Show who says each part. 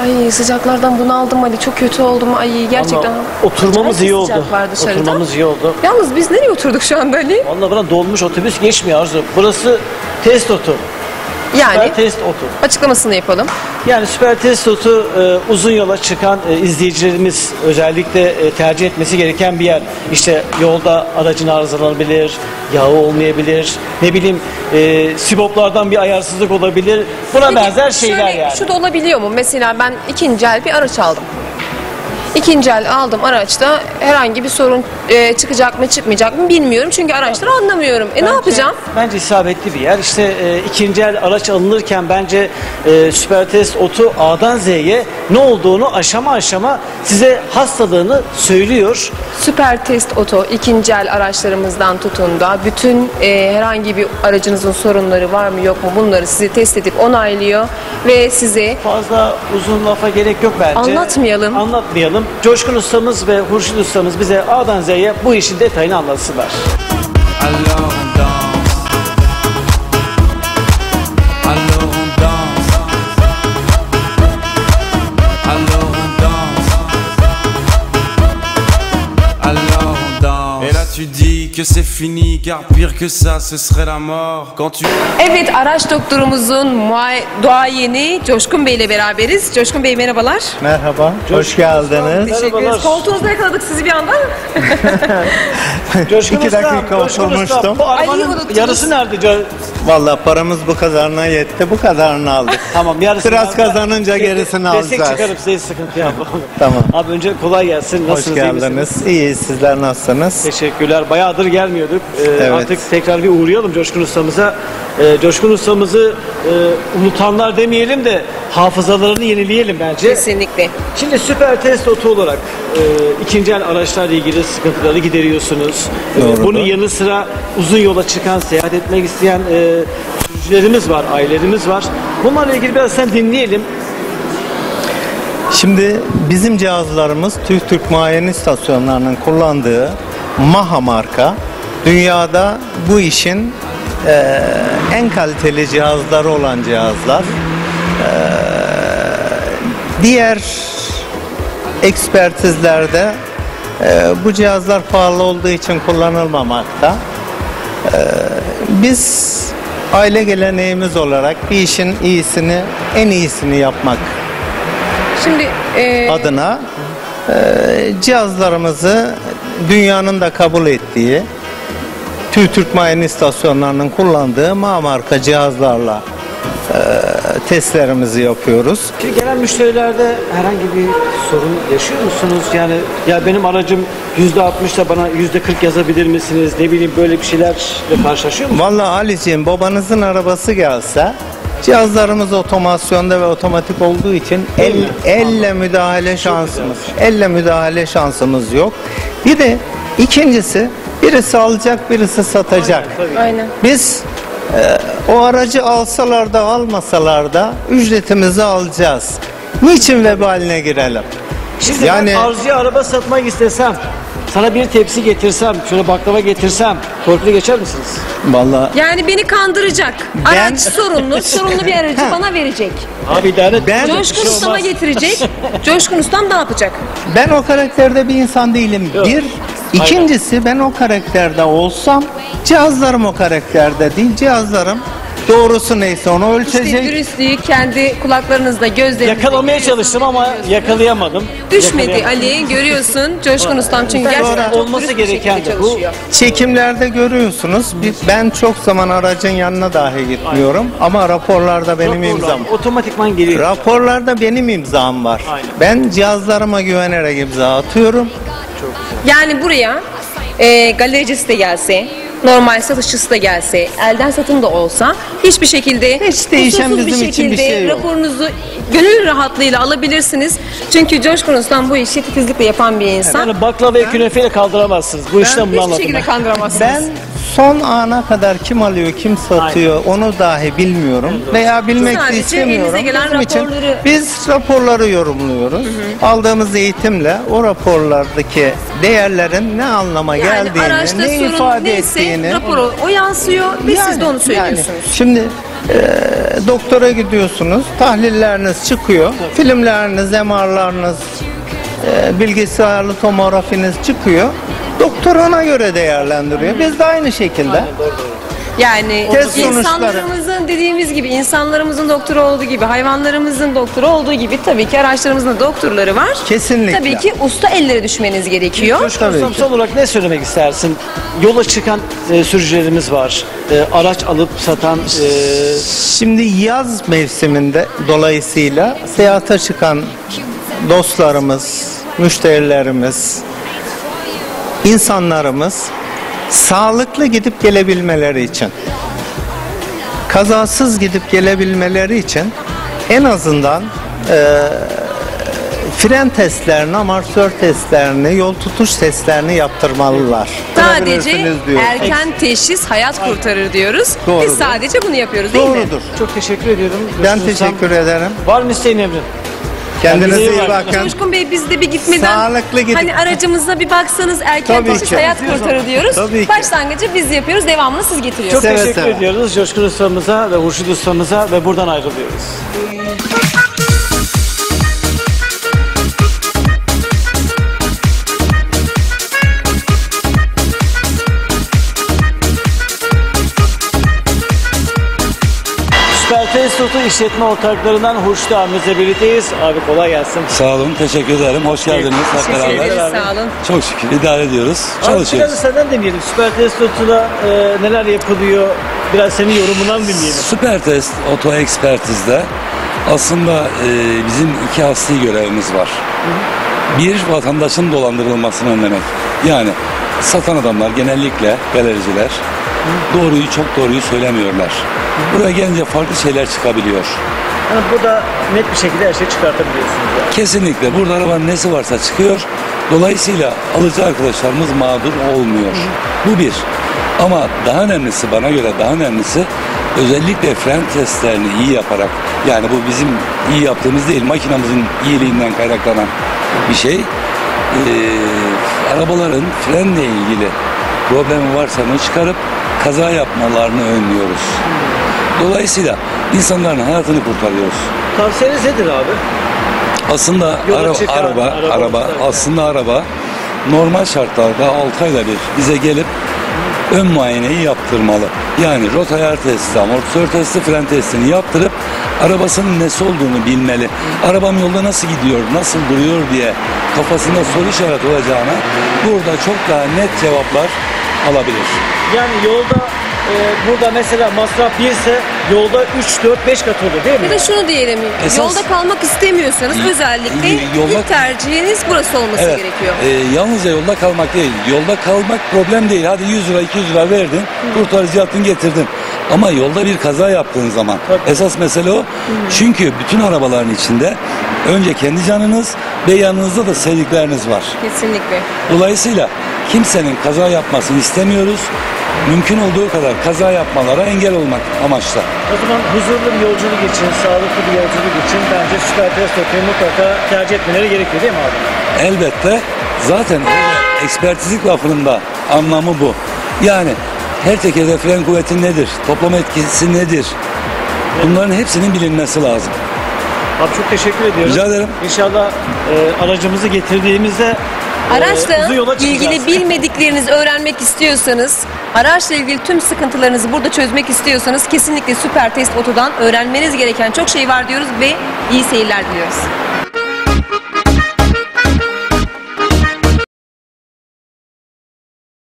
Speaker 1: Ay sıcaklardan bunaldım Ali. Çok kötü oldum. Ay gerçekten.
Speaker 2: Ama oturmamız iyi oldu.
Speaker 1: Sıcak var dışarıda.
Speaker 2: Oturmamız iyi oldu.
Speaker 1: Yalnız biz nereye oturduk şu anda Ali?
Speaker 2: Vallahi bana dolmuş otobüs geçmiyor Arzu. Burası test otu.
Speaker 1: Yani
Speaker 2: Süper test otu.
Speaker 1: açıklamasını yapalım.
Speaker 2: Yani süper test otu uzun yola çıkan izleyicilerimiz özellikle tercih etmesi gereken bir yer. İşte yolda aracın arızalanabilir, yağı olmayabilir, ne bileyim siboplardan bir ayarsızlık olabilir. Buna
Speaker 1: Peki,
Speaker 2: benzer şeyler
Speaker 1: şöyle,
Speaker 2: yani.
Speaker 1: Şu da olabiliyor mu? Mesela ben ikinci el bir araç aldım. İkinci el aldım araçta herhangi bir sorun çıkacak mı çıkmayacak mı bilmiyorum. Çünkü araçları anlamıyorum. Ne yapacağım?
Speaker 2: Bence isabetli bir yer. İşte ikinci el araç alınırken bence süper test otu A'dan Z'ye ne olduğunu aşama aşama size hastalığını söylüyor.
Speaker 1: Süper Test Oto ikinci el araçlarımızdan tutun da bütün herhangi bir aracınızın sorunları var mı yok mu bunları sizi test edip onaylıyor ve size
Speaker 2: Fazla uzun lafa gerek yok bence. Anlatmayalım. Coşkun ustamız ve Hurşit ustamız bize A'dan Z'ye bu işin detayını anlatsınlar.
Speaker 3: Tu dis que c'est fini car pire que ça ce serait la mort quand tu...
Speaker 1: Evet, araç doktorumuzun duayeni Coşkun Bey ile beraberiz. Coşkun Bey merhabalar.
Speaker 4: Merhaba, hoş geldiniz.
Speaker 1: Teşekkür ederiz. Koltuğunuzda yakaladık sizi bir anda.
Speaker 2: Coşkun
Speaker 4: 2 dakika
Speaker 2: Coşkun
Speaker 4: oturmuştum.
Speaker 2: Bu
Speaker 1: Ay,
Speaker 2: arabanın
Speaker 1: unuttunuz.
Speaker 2: yarısı nerede?
Speaker 4: Vallahi paramız bu kadarına yetti, bu kadarını aldık.
Speaker 2: Tamam, yarısı.
Speaker 4: Biraz kazanınca gerisini
Speaker 2: Destek
Speaker 4: alacağız.
Speaker 2: çıkarıp size sıkıntı yapalım.
Speaker 4: Tamam.
Speaker 2: Abi önce kolay gelsin.
Speaker 4: Hoş
Speaker 2: Nasılsınız? iyi misiniz?
Speaker 4: geldiniz. İyi, sizler nasılsınız?
Speaker 2: Teşekkürler. Bayağıdır gelmiyorduk.
Speaker 4: Evet.
Speaker 2: Artık tekrar bir uğrayalım Coşkun ustamıza. Coşkun ustamızı unutanlar demeyelim de hafızalarını yenileyelim bence.
Speaker 1: Kesinlikle.
Speaker 2: Şimdi süper test otu olarak ikinci el araçlarla ilgili sıkıntıları gideriyorsunuz.
Speaker 4: Doğrudur.
Speaker 2: Bunun yanı sıra uzun yola çıkan, seyahat etmek isteyen sürücülerimiz var, ailelerimiz var. Bunlarla ilgili biraz sen dinleyelim.
Speaker 4: Şimdi bizim cihazlarımız Türk muayene istasyonlarının kullandığı Maha marka. Dünyada bu işin en kaliteli cihazları olan cihazlar. Diğer ekspertizlerde bu cihazlar pahalı olduğu için kullanılmamakta. Biz aile geleneğimiz olarak bir işin iyisini, en iyisini yapmak
Speaker 1: Şimdi
Speaker 4: adına cihazlarımızı dünyanın da kabul ettiği Türk muayene istasyonlarının kullandığı marka cihazlarla testlerimizi yapıyoruz.
Speaker 2: Şimdi gelen müşterilerde herhangi bir sorun yaşıyor musunuz? Yani ya benim aracım %60'da bana %40 yazabilir misiniz? Ne bileyim böyle bir şeylerle karşılaşıyor musunuz?
Speaker 4: Vallahi Ali'ciğim, babanızın arabası gelse cihazlarımız otomasyonda ve otomatik olduğu için elle müdahale şansımız yok. Bir de ikincisi, birisi alacak, birisi satacak.
Speaker 1: aynen.
Speaker 4: Biz o aracı alsalar da almasalar da ücretimizi alacağız. Niçin vebaline girelim?
Speaker 2: Şimdi
Speaker 4: Yani-
Speaker 2: ben Arzu'ya araba satmak istesem, sana bir tepsi getirsem, şöyle baklava getirsem, torpili geçer misiniz?
Speaker 4: Vallahi
Speaker 1: Yani beni kandıracak. Araç sorunlu bir aracı bana verecek.
Speaker 2: Abi idare et.
Speaker 4: Ben-
Speaker 1: Coşkun Ustam'a getirecek. Coşkun Ustam ne yapacak?
Speaker 4: ben o karakterde bir insan değilim.
Speaker 2: Yok.
Speaker 4: Bir, ikincisi ben o karakterde olsam cihazlarım o karakterde değil. Cihazlarım doğrusu neyse onu
Speaker 1: İşte
Speaker 4: ölçecek.
Speaker 1: dürüstlüğü kendi kulaklarınızda, gözlerinizde
Speaker 2: Yakalamaya çalıştım ama yakalayamadım.
Speaker 1: düşmedi Ali, görüyorsun Coşkun Ustam çünkü gerçekten çok
Speaker 2: olması
Speaker 1: dürüst bir
Speaker 2: gereken
Speaker 1: şekilde
Speaker 2: de bu.
Speaker 1: çalışıyor.
Speaker 4: Çekimlerde görüyorsunuz. Ben çok zaman aracın yanına dahi gitmiyorum. Ama raporlarda benim imzam.
Speaker 2: Otomatikman geliyor.
Speaker 4: Raporlarda benim imzam var.
Speaker 2: Aynen.
Speaker 4: Ben cihazlarıma güvenerek imza atıyorum.
Speaker 1: Yani buraya galericisi de gelse, normal satışçısı da gelse, elden satım da olsa hiçbir şekilde
Speaker 4: Hiç değişen
Speaker 1: kusursuz
Speaker 4: bizim için bir şey yok.
Speaker 1: raporunuzu gönül rahatlığıyla alabilirsiniz. Çünkü Coşkun Ustam bu işi titizlikle yapan bir insan.
Speaker 2: Yani baklavayı künefeyle kaldıramazsınız. Bu işten bunu
Speaker 1: Hiçbir
Speaker 2: anladım.
Speaker 1: şekilde kandıramazsınız.
Speaker 4: Ben son ana kadar kim alıyor, kim satıyor onu dahi bilmiyorum. Veya bilmek de
Speaker 1: Sadece
Speaker 4: istemiyorum.
Speaker 1: elinize gelen
Speaker 4: Bizim için
Speaker 1: raporları-
Speaker 4: biz raporları yorumluyoruz. Aldığımız eğitimle o raporlardaki değerlerin ne anlama
Speaker 1: yani
Speaker 4: geldiğini,
Speaker 1: araçta
Speaker 4: ne
Speaker 1: sorun
Speaker 4: ifade
Speaker 1: neyse
Speaker 4: ettiğini.
Speaker 1: raporu o yansıyor ve siz de onu söylüyorsunuz.
Speaker 4: Şimdi Doktora gidiyorsunuz, tahlilleriniz çıkıyor, filmleriniz, MR'larınız, bilgisayarlı tomografiniz çıkıyor. Doktor ona göre değerlendiriyor. Biz de aynı şekilde.
Speaker 1: Yani
Speaker 4: Test sonuçları.
Speaker 1: insanlarımızın dediğimiz gibi, insanlarımızın doktoru olduğu gibi, hayvanlarımızın doktoru olduğu gibi tabii ki araçlarımızın da doktorları var.
Speaker 4: Kesinlikle.
Speaker 1: Tabii ki usta ellere düşmeniz gerekiyor.
Speaker 2: Coşkun
Speaker 4: Tabii
Speaker 2: Ustam,
Speaker 4: ki.
Speaker 2: son olarak ne söylemek istersin? Yola çıkan sürücülerimiz var. Araç alıp satan
Speaker 4: Şimdi yaz mevsiminde dolayısıyla seyahate çıkan dostlarımız, müşterilerimiz, insanlarımız sağlıklı gidip gelebilmeleri için, kazasız gidip gelebilmeleri için en azından fren testlerini, amortisör testlerini, yol tutuş testlerini yaptırmalılar.
Speaker 1: Sadece
Speaker 4: Yaptırabilirsiniz diyor.
Speaker 1: erken teşhis hayat kurtarır diyoruz. Biz
Speaker 4: Doğrudur.
Speaker 1: sadece bunu yapıyoruz değil mi?
Speaker 4: Doğrudur.
Speaker 2: çok teşekkür ediyorum.
Speaker 4: Ben
Speaker 2: Coşkun Ustam.
Speaker 4: teşekkür ederim.
Speaker 2: Var mı isteğin Emre?
Speaker 4: Kendinize
Speaker 2: Kendinize
Speaker 4: iyi
Speaker 2: iyi bakın.
Speaker 4: bakın.
Speaker 1: Coşkun Bey, biz de bir gitmeden
Speaker 4: Sağlıklı gidin.
Speaker 1: hani aracımıza bir baksanız, erken
Speaker 4: Tabii
Speaker 1: teşhis
Speaker 4: ki.
Speaker 1: hayat kurtarır diyoruz.
Speaker 4: Tabii ki.
Speaker 1: Başlangıcı biz yapıyoruz, devamını siz
Speaker 2: Çok
Speaker 1: getiriyorsunuz.
Speaker 4: Seve
Speaker 2: teşekkür
Speaker 4: seve.
Speaker 2: ediyoruz Coşkun Ustamıza ve Hurşit Ustamıza ve buradan ayrılıyoruz. Süper Test Oto işletme ortaklarından Hurşit abimizle birlikteyiz. Abi kolay gelsin.
Speaker 5: Sağ olun, teşekkür ederim. Hoş geldiniz hep
Speaker 1: Teşekkür
Speaker 5: beraber.
Speaker 1: ederiz, sağ olun.
Speaker 5: Çok şükür idare ediyoruz,
Speaker 2: Abi biraz
Speaker 5: çalışıyoruz.
Speaker 2: senden dinleyelim. Süper Test Oto'da neler yapılıyor? Biraz senin yorumundan dinleyelim.
Speaker 5: Süper Test Oto Ekspertiz'de aslında bizim iki asli görevimiz var. Bir, vatandaşın dolandırılmasını önlemek. Yani satan adamlar genellikle galericiler çok doğruyu söylemiyorlar. Buraya gelince farklı şeyler çıkabiliyor.
Speaker 2: Yani burada net bir şekilde her şeyi çıkartabiliyorsunuz. Yani.
Speaker 5: Kesinlikle burada arabanın nesi varsa çıkıyor. Dolayısıyla alıcı arkadaşlarımız mağdur olmuyor. Bu bir. Ama daha önemlisi, bana göre daha önemlisi, özellikle fren testlerini iyi yaparak, yani bu bizim iyi yaptığımız değil, makinamızın iyiliğinden kaynaklanan bir şey. Arabaların frenle ilgili problemi varsa onu çıkarıp kaza yapmalarını önlüyoruz. Dolayısıyla insanların hayatını kurtarıyoruz.
Speaker 2: Tavsiyeniz nedir abi?
Speaker 5: Aslında
Speaker 2: Yola çıkan araba
Speaker 5: araba normal şartlarda 6 ayda bir bize gelip ön muayeneyi yaptırmalı. Yani rota ayar testi, amortisör testi, fren testini yaptırıp arabasının nesi olduğunu bilmeli. Arabam yolda nasıl gidiyor, nasıl duruyor diye kafasında soru işareti olacağına burada çok daha net cevaplar alabilir.
Speaker 2: Yani yolda burada mesela masraf 1 ise yolda 3, 4, 5 kat olur değil mi?
Speaker 1: Bir de şunu diyelim,
Speaker 5: Esas-
Speaker 1: yolda kalmak istemiyorsanız özellikle
Speaker 5: Yolda-
Speaker 1: ilk tercihiniz burası olması
Speaker 5: Evet,
Speaker 1: gerekiyor.
Speaker 5: yalnızca yolda kalmak değil. Yolda kalmak problem değil. Hadi 100 lira 200 lira verdin, kurtarıcı yaptın getirdin. Ama yolda bir kaza yaptığın zaman esas mesele o. Çünkü bütün arabaların içinde önce kendi canınız ve yanınızda da sevdikleriniz var.
Speaker 1: Kesinlikle.
Speaker 5: Dolayısıyla kimsenin kaza yapmasını istemiyoruz. Mümkün olduğu kadar kaza yapmalara engel olmak amaçla.
Speaker 2: O zaman huzurlu bir yolculuk için, sağlıklı bir yolculuk için bence Süper Test Oto'yu mutlaka tercih etmeleri gerekiyor değil mi abi?
Speaker 5: Elbette zaten ekspertizlik lafının da anlamı bu. Yani her tekerde fren kuvveti nedir? Toplam etkisi nedir? Bunların hepsinin bilinmesi lazım.
Speaker 2: Abi çok teşekkür ediyorum.
Speaker 5: Rica ederim.
Speaker 2: İnşallah aracımızı getirdiğimizde
Speaker 1: Araçla
Speaker 2: uzun yola çıkacağız.
Speaker 1: ilgili bilmediklerinizi öğrenmek istiyorsanız, araçla ilgili tüm sıkıntılarınızı burada çözmek istiyorsanız kesinlikle Süper Test Oto'dan öğrenmeniz gereken çok şey var diyoruz ve iyi seyirler diliyoruz.